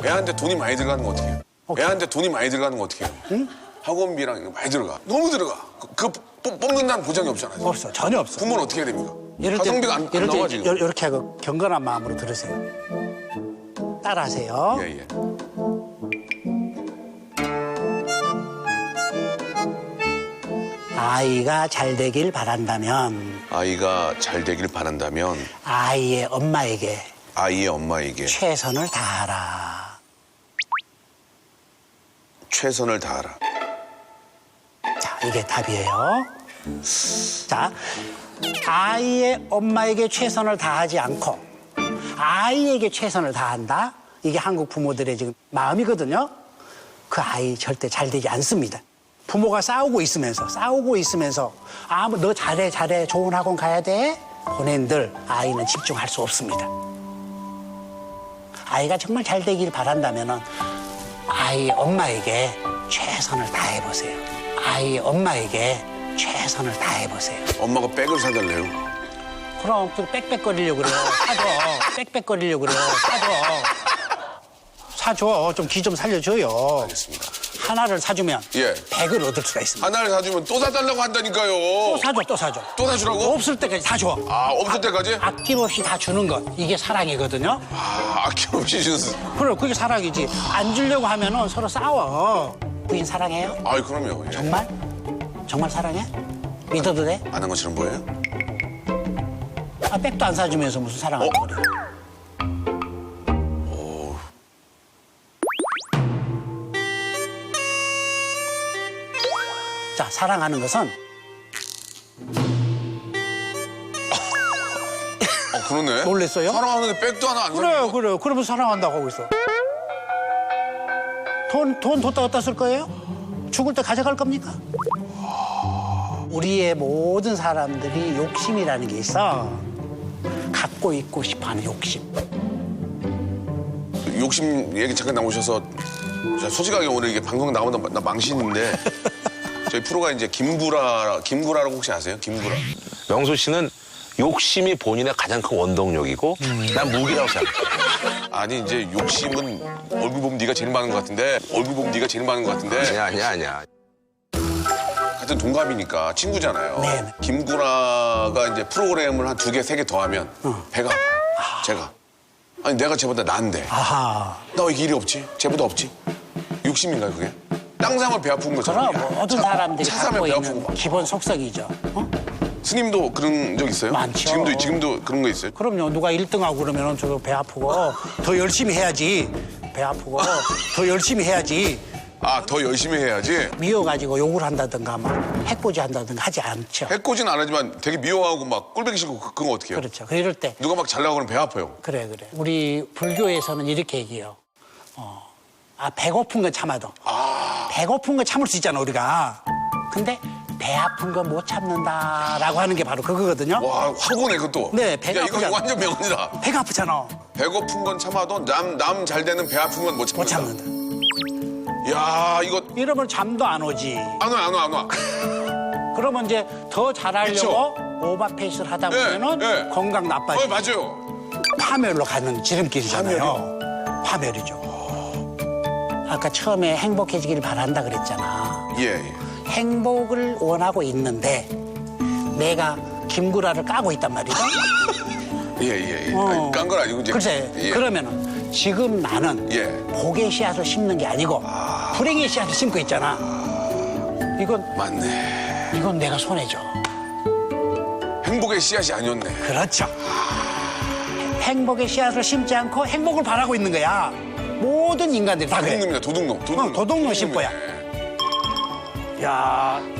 애한테 돈이 많이 들어가는 거 어떻게 해요? 애한테 돈이 많이 들어가는 거 어떻게 해요? 응? 학원비랑 이거 많이 들어가. 너무 들어가. 뽑는다는 보장이 없잖아요. 없어, 전혀 없어. 부모는 어떻게 해야 됩니까? 이럴 때, 가성비가 안 이럴 나와 때 지금. 이렇게 하고 경건한 마음으로 들으세요. 따라하세요. 예, 예. 아이가 잘 되길 바란다면 아이가 잘 되길 바란다면 아이의 엄마에게 아이의 엄마에게 최선을 다하라. 최선을 다하라. 자, 이게 답이에요. 자, 아이의 엄마에게 최선을 다하지 않고 아이에게 최선을 다한다. 이게 한국 부모들의 지금 마음이거든요. 그 아이 절대 잘 되지 않습니다. 부모가 싸우고 있으면서 뭐 너 잘해 좋은 학원 가야 돼 보낸들 아이는 집중할 수 없습니다. 아이가 정말 잘 되길 바란다면은 아이의 엄마에게 최선을 다해보세요. 아이의 엄마에게 최선을 다해보세요. 엄마가 백을 사달래요. 그럼 또 빽빽거리려고 그래요. 사줘. 빽빽거리려고 그래요. 사줘. 좀 기 좀 살려줘요. 알겠습니다. 하나를 사주면 예. 100을 얻을 수가 있습니다. 하나를 사주면 또 사달라고 한다니까요. 또 사줘. 또 사주라고? 없을 때까지 다 줘. 아, 없을 때까지? 아낌없이 다 주는 것. 이게 사랑이거든요. 아, 아낌없이 주는. 그래, 그게 사랑이지. 안 주려고 하면은 서로 싸워. 부인 사랑해요? 아이, 그럼요. 예. 정말? 정말 사랑해? 믿어도 돼? 안 한 것처럼 보여요? 아, 백도 안 사주면서 무슨 사랑을 그래. 자, 사랑하는 것은 그러네. 놀랬어요? 사랑하는데 백도 하나 안 그래요, 사는 거. 그래요. 그러면서 사랑한다고 하고 있어. 돈 뒀다 어디다 쓸 거예요? 죽을 때 가져갈 겁니까? 우리의 모든 사람들이 욕심이라는 게 있어. 갖고 있고 싶어하는 욕심. 욕심 얘기 잠깐 나오셔서 제가 솔직하게 오늘 이게 방송 나오다 나 망신인데 저희 프로가 이제 김구라라고 혹시 아세요? 김구라. 명수 씨는 욕심이 본인의 가장 큰 원동력이고 난 무기라고 생각해. 아니 이제 욕심은 얼굴 보면 네가 제일 많은 것 같은데 아니야. 같은 동갑이니까 친구잖아요. 네. 김구라가 이제 프로그램을 한 2개, 3개 더하면 배가 아파요. 제가. 아니 내가 쟤보다 나은데. 아하. 나 왜 이렇게 일이 없지? 쟤보다 없지? 욕심인가요 그게? 땅 사면 배 아픈 거잖아요. 그럼 모든 사람들이 차 사면 갖고 배 있는 아프고 막. 기본 속성이죠. 어? 스님도 그런 적 있어요? 많죠. 지금도 그런 거 있어요? 그럼요. 누가 1등하고 그러면 저도 배 아프고 더 열심히 해야지. 배 아프고 더 열심히 해야지. 아, 더 열심히 해야지. 미워가지고 욕을 한다든가 막 해코지 한다든가 하지 않죠. 해코지는 안 하지만 되게 미워하고 막 꼴보기 싫고 그건 어떻게 해요? 그렇죠. 이럴 때 누가 막 잘나고 그러면 배 아파요. 그래. 우리 불교에서는 이렇게 얘기해요. 배고픈 건 참아도. 배고픈 건 참을 수 있잖아, 우리가. 근데 배 아픈 건 못 참는다라고 하는 게 바로 그거거든요. 와, 화고네 그것도. 네, 배가 야, 이거 아프잖아. 완전 명언이다. 배가 아프잖아. 배고픈 건 참아도 남 잘 되는 배 아픈 건 못 못 참는다. 참는다. 야, 이거 이러면 잠도 안 오지. 안 와. 그러면 이제 더 잘하려고 오버페이스를 하다 보면은 네. 건강 나빠지고 맞아요. 파멸로 가는 지름길이잖아요. 파멸이죠. 아까 처음에 행복해지길 바란다 그랬잖아. 예. 행복을 원하고 있는데 내가 김구라를 까고 있단 말이죠. 예. 아니, 깐 건 아니고 이제. 글쎄, 예. 그러면은 지금 나는 예. 복의 씨앗을 심는 게 아니고 불행의 씨앗을 심고 있잖아. 맞네. 이건 내가 손해죠. 행복의 씨앗이 아니었네. 그렇죠. 행복의 씨앗을 심지 않고 행복을 바라고 있는 거야. 모든 인간들이 다 그래. 도둑놈입니다. 도둑놈. 도둑놈 심보야. 야,